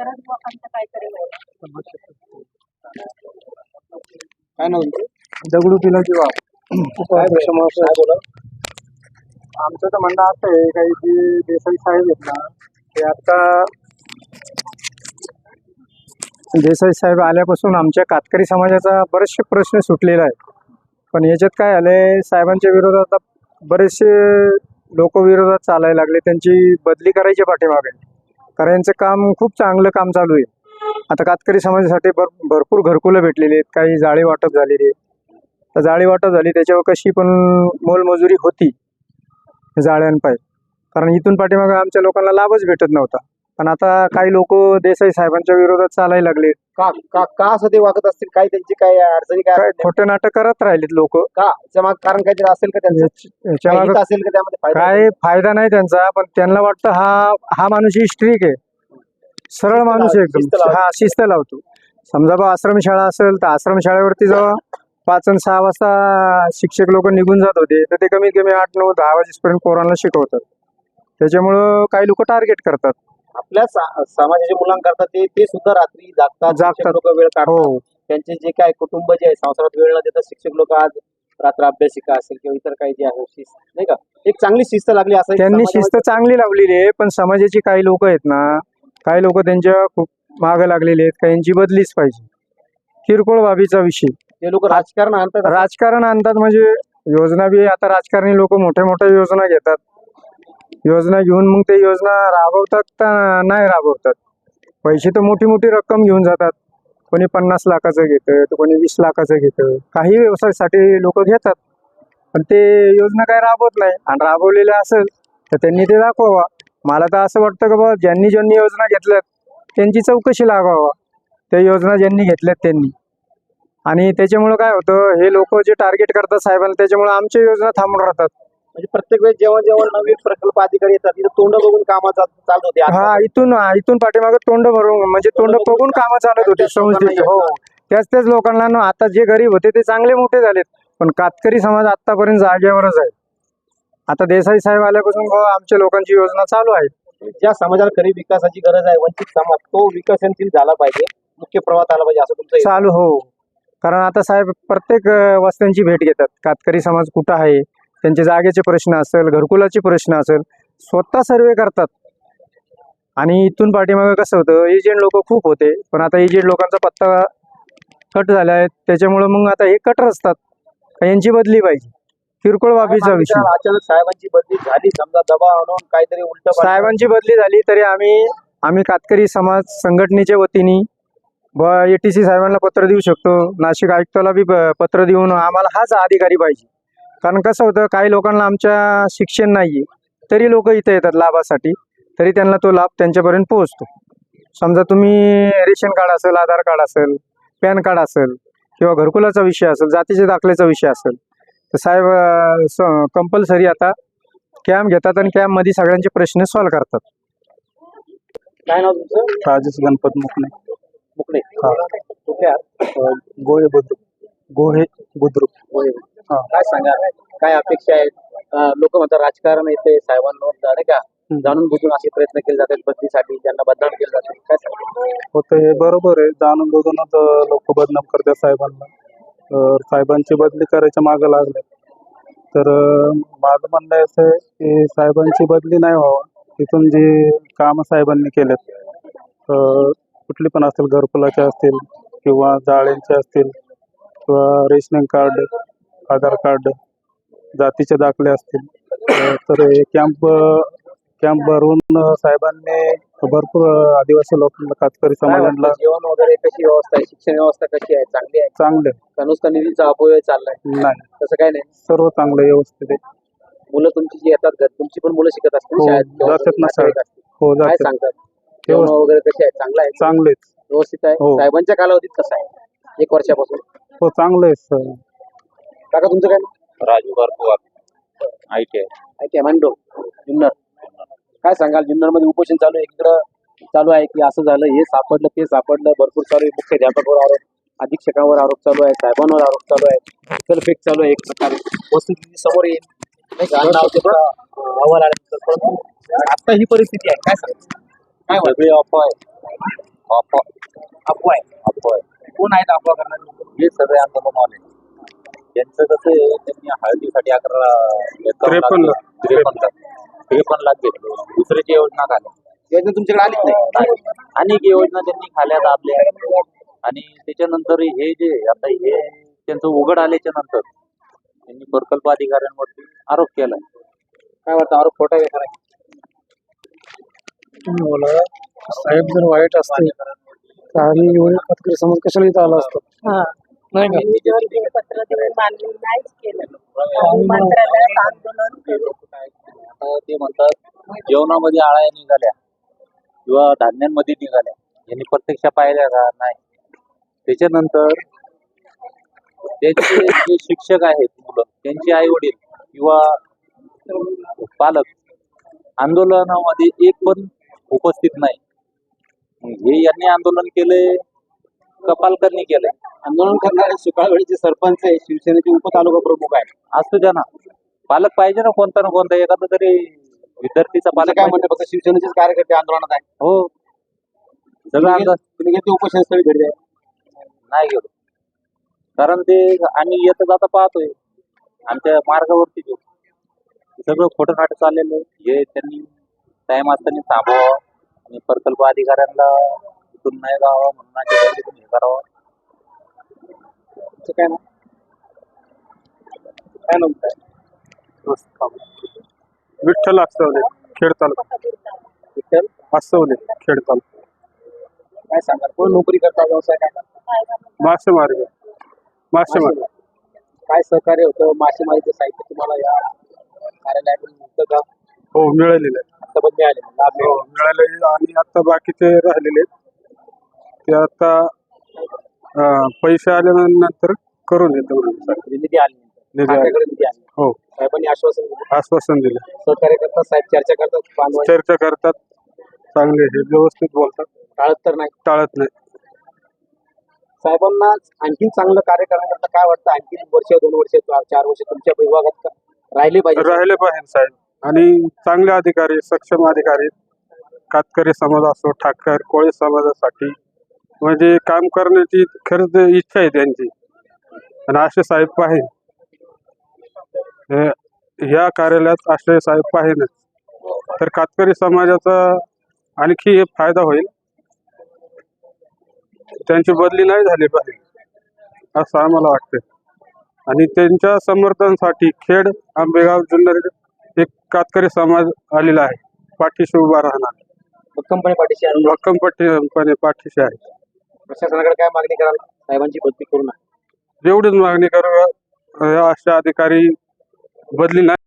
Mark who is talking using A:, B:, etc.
A: गरज लोकांचं काहीतरी होईल.
B: काय नाव दगडू पिलाची वाव बोला. आमचं तर म्हणणं असं आहे काही जी देसाई साहेब आहेत ना ते आता देसाई साहेब आल्यापासून आमच्या कातकरी समाजाचा बरेचसे प्रश्न सुटलेला आहे. पण याच्यात काय आलंय, साहेबांच्या विरोधात बरेचसे लोक विरोधात चालायला लागले. त्यांची बदली करायची पाठीमागे, कारण यांचं काम खूप चांगलं काम चालू आहे. आता कातकरी समाजासाठी भरपूर घरकुलं भेटलेली आहेत, काही जाळी वाटप झालेली आहे. तर जाळी वाटप झाली त्याच्यावर कशी पण मोलमजुरी होती जाळ्यांपाय, कारण इथून पाठीमागे आमच्या लोकांना लाभच भेटत नव्हता. पण आता काही लोक देसाई साहेबांच्या विरोधात चालायला लागले.
C: का का का असं ते वागत असतील? काय त्यांची काय अडचणी काय
B: काय
C: असतील?
B: खोटे नाटक करत राहिलेत लोक.
C: का त्याच्या कारण काहीतरी असेल का त्यांचं?
B: याच्या
C: काही
B: मागं
C: हित असेल का त्यामध्ये? फायदा
B: काय फायदा नाही त्यांचा, पण त्यांना वाटतं हा माणूस ही स्ट्रिक आहे, सरळ माणूस आहे
C: शिस्त
B: एकदम.
C: लावतो.
B: हा शिस्त लावतो. समजा बा आश्रमशाळा असेल तर आश्रमशाळेवरती जेव्हा 5 आणि 6 वाजता शिक्षक लोक निघून जात होते, तर ते कमीत कमी 8, 9, 10 वाजेपर्यंत पोरांना शिकवतात. त्याच्यामुळं काही लोक टार्गेट करतात.
C: आपल्या समाजाच्या मुलांकरता ते सुद्धा रात्री जागतात लोक वेळ काढतात.
B: हो.
C: त्यांचे जे काय कुटुंब जे आहे संसारात वेळ न देतात शिक्षक लोक आज रात्र अभ्यासिका असेल किंवा इतर काही जे आहे शिस्त नाही का, एक चांगली शिस्त लागली असं
B: त्यांनी शिस्त चांगली लावलेली आहे. पण समाजाची काही लोक आहेत ना, काही लोक त्यांच्या खूप मागे लागलेले आहेत. काहींची बदलीच पाहिजे. किरकोळ बाबीचा विषय
C: ते लोक राजकारण आणतात.
B: राजकारण आणतात म्हणजे योजना बी आता राजकारणी लोक मोठ्या मोठ्या योजना घेतात. योजना घेऊन मग ते योजना राबवतात का नाही राबवतात. पैसे तर मोठी मोठी रक्कम घेऊन जातात. कोणी 50 लाखाचं घेतं तर कोणी 20 लाखाचं घेतं. काही व्यवसायासाठी लोक घेतात, पण ते योजना काय राबवत नाही. आणि राबवलेल्या असेल तर त्यांनी ते दाखवावा. मला तर असं वाटतं की बाबा ज्यांनी ज्यांनी योजना घेतल्यात त्यांची चौकशी लागावा, त्या योजना ज्यांनी घेतल्यात त्यांनी. आणि त्याच्यामुळं काय होतं, हे लोक जे टार्गेट करतात साहेबांना, त्याच्यामुळे आमच्या योजना थांबून राहतात.
C: म्हणजे प्रत्येक वेळेस जेव्हा जेव्हा नवीन प्रकल्प अधिकारी येतात तिथे तोंड बघून कामं चालत होते.
B: हा, इथून पाठीमागे तोंड भरून म्हणजे तोंड बघून कामं चालत होते संस्थेचे. हो, त्याच लोकांना ना आता जे गरीब होते ते चांगले मोठे झालेत, पण कातकरी समाज आतापर्यंत जागेवरच आहे. आता देसाई साहेब आल्यापासून आमच्या लोकांची योजना चालू आहे.
C: ज्या समाजाला खरी विकासाची गरज आहे, वंचित समाज, तो विकसनशील झाला पाहिजे, मुख्य प्रवाहात आला पाहिजे असं तुमचं
B: चालू. हो, कारण आता साहेब प्रत्येक वस्त्यांची भेट घेतात. कातकरी समाज कुठं आहे, त्यांचे जागेचे प्रश्न असेल, घरकुलाचे प्रश्न असेल, स्वतः सर्वे करतात. आणि इथून पाठीमागे कसं होतं, एजंट लोक खूप होते, पण आता एजंट लोकांचा पत्ता कट झाला आहे. त्याच्यामुळं मग आता हे कट रचतात, यांची बदली पाहिजे. किरकोळ बाबीचा विषय.
C: अचानक साहेबांची बदली झाली, समजा दबाव आणून काहीतरी उलट
B: साहेबांची बदली झाली तरी आम्ही कातकरी समाज संघटनेच्या वतीने ATC साहेबांना पत्र देऊ शकतो. नाशिक आयुक्ताला बी पत्र देऊन आम्हाला हाच अधिकारी पाहिजे. कारण कसं होतं, काही लोकांना आमच्या शिक्षण नाही तरी लोक इथे येतात लाभासाठी, तरी त्यांना तो लाभ त्यांच्यापर्यंत पोहोचतो. समजा तुम्ही रेशन कार्ड असेल, आधार कार्ड असेल, पॅन कार्ड असेल किंवा घरकुलाचा विषय असेल, जातीच्या दाखल्याचा विषय असेल, तर साहेब कंपल्सरी आता कॅम्प घेतात आणि कॅम्पमध्ये सगळ्यांचे प्रश्न सॉल्व्ह करतात.
C: काय नाव तुमचं?
B: राजेश गणपत मुकणे.
C: मुकणे. कुठे?
B: गोहे बुद्रुक.
C: काय सांगा, काय अपेक्षा आहेत? लोक म्हणतात राजकारण येते साहेबांवर नाही का, जाणून बुजून असे प्रयत्न केले जातात बदलीसाठी, ज्यांना बदनाम केलं जातं. काय सांगा?
B: होतं हे बरोबर आहे, जाणून बुजूनच लोक बदनाम करतात साहेबांना. साहेबांची बदली करायच्या मागं लागले. तर माझं म्हणणं असं आहे की साहेबांची बदली नाही व्हावं. तिथून जी कामं साहेबांनी केलेत, कुठली पण असतील, घरकुलाचे असतील किंवा जाळ्यांचे असतील किंवा रेशनिंग कार्ड, आधार कार्ड, जातीचे दाखले असतील, तर हे कॅम्प भरून साहेबांनी भरपूर आदिवासी लोकांना, कातकरी समाजाला
C: जेवण वगैरे कशी व्यवस्था आहे? शिक्षण व्यवस्था कशी आहे? चांगली आहे?
B: चांगले.
C: का नुसता निधीचा अपव्यय चाललाय?
B: नाही,
C: तसं काय नाही,
B: सर्व चांगलं व्यवस्थित आहे.
C: मुलं तुमची जी येतात तुमची पण मुलं शिकत असतील
B: हो,
C: शाळेत?
B: जातात ना शाळेत. हो,
C: काय
B: जातात.
C: सांगतात? जेवण वगैरे कसे आहे? चांगलं आहे?
B: चांगलेच.
C: व्यवस्थित आहे?
B: हो.
C: साहेबांच्या कालावधीत कसं आहे? 1 वर्षापासून?
B: हो, चांगलं आहे सर.
C: काका तुमचं काय नाव?
D: राजू गारकुवार,
C: ITI मांडो जुन्नर. काय सांगाल, जुन्नर मध्ये उपोषण चालू आहे, इकडं चालू आहे की असं झालं, हे सापडलं, ते सापडलं, भरपूर चालू आहे. मुख्याध्यापकावर आरोप, अधीक्षकांवर आरोप चालू आहे, साहेबांवर आरोप चालू आहे, फेक चालू आहे. एक प्रकारे वस्तुस्थिती समोर येईल नाही का, अहवाल आल्यानंतर. परंतु आता ही परिस्थिती आहे, काय सांगाल? काय वाटतं?
D: अफवा आहे. अफवा
C: अफवा आहे.
D: अफवा आहे.
C: कोण आहेत अफवा करणारे लोक?
D: हे सगळे आंदोलनवाले त्यांचं कसं आहे, त्यांनी हळदीसाठी
B: 53
D: 53 लाख घेतले. दुसऱ्याची योजना खाल्या
C: योजना तुमच्याकडे आलीच नाही.
D: अनेक योजना त्यांनी खाल्या दाबल्या. आणि त्याच्यानंतर हे जे आता हे त्यांचं उघड आल्याच्या नंतर त्यांनी प्रकल्प अधिकाऱ्यांवरती आरोप केला.
C: काय वाटतं, आरोप खोटा आहे का खरा आहे?
B: तुम्ही बोला साहेब जर वाईट असते तर आम्ही एवढे पत्रकार समाज कशाला इथं आला असतो नाही का
A: पत्र देऊन मान्य नाहीच केलं. मंत्रालयात आंदोलन केलं.
D: आता ते म्हणतात जेवणामध्ये आळ्या निघाल्या किंवा धान्यांमध्ये निघाल्या, यांनी प्रत्यक्ष पाहिल्या का? नाही. त्याच्यानंतर त्यांचे जे शिक्षक आहेत मुलं, त्यांचे आई वडील किंवा पालक आंदोलनामध्ये एक पण उपस्थित नाही. हे यांनी आंदोलन केले का पालकांनी केलंय?
C: आंदोलन करणारे सुकाळवेळीचे सरपंच आहे, शिवसेनेचे उपतालुका प्रमुख आहे.
D: असतो द्या ना, पालक पाहिजे ना, कोणता ना कोणता एखादा तरी विद्यार्थीचा
C: मला
D: पालक
C: काय
D: पाहिजे.
C: म्हणते, फक्त शिवसेनेचेच कार्यकर्ते आंदोलनात आहे.
D: हो, सगळं आंदोलन
C: तुम्ही घेतले उपोषण स्थळी भेट द्या.
D: नाही गेलो, कारण ते आम्ही येता जाता पाहतोय आमच्या मार्गावरती जो सगळं खोटं नाटक चाललेलं आहे. हे त्यांनी टाइम असताना थांबवावं आणि प्रकल्प अधिकाऱ्यांना इथून नाही जावं म्हणून हे करावं.
C: तुमचं काय नाव? काय नाव काय?
B: विठ्ठल असवले खेड तालुका
C: विठ्ठल
B: असवले खेड तालुका
C: काय सांगाल, कोण नोकरी करता, व्यवसाय काय करता?
B: मासेमारी मासेमारी
C: काय सहकार्य होतं? मासेमारीचं साहित्य तुम्हाला या कार्यालयाकडून मिळतं का?
B: हो मिळालेले आहे.
C: आता पण मिळाले, लाभ
B: हो
C: मिळाला.
B: मिळालेले आणि आता बाकीचे राहिलेले आहेत. ते आता पैसे आल्यानंतर करून येतो म्हणून
C: म्हणजे निधी आली नंतर.
B: निधी आले.
C: खात्याकडे निधी आली.
B: हो
C: साहेबांनी आश्वासन दिलं.
B: आश्वासन दिलं,
C: सहकार्य करतात, साहेब चर्चा करतात, बांधवांशी
B: चर्चा करतात, चांगले हे व्यवस्थित बोलतात,
C: टाळत तर नाही.
B: टाळत नाही.
C: साहेबांना आणखीन चांगलं कार्य करण्याकरता काय वाटतं? आणखीन वर्ष, 2 वर्ष, 4 वर्ष तुमच्या विभागात राहिले पाहिजे.
B: राहिले पाहिजे साहेब, आणि चांगले अधिकारी, सक्षम अधिकारी, कातकरी समाज असो, ठाकर कोळी समाजासाठी म्हणजे काम करण्याची खरंच इच्छा आहे त्यांची, आणि असे साहेब पाहिजे. ह्या कार्यालयात असे साहेब पाहिजेच, तर कातकरी समाजाचा आणखी हे फायदा होईल. त्यांची बदली नाही झाली पाहिजे असं आम्हाला वाटतं. आणि त्यांच्या समर्थनासाठी खेड, आंबेगाव, जुन्नर एक कातकरी समाज आलेला आहे, पाठीशी उभा राहणार,
C: भक्कमपणे पाठीशी आहे.
B: भक्कमपणे पाठीशी आहे.
C: प्रशासनाकडे काय मागणी कराल? साहेबांची बदली करू नका.
B: जेवढीच मागणी करू, अशा अधिकारी बदली नाही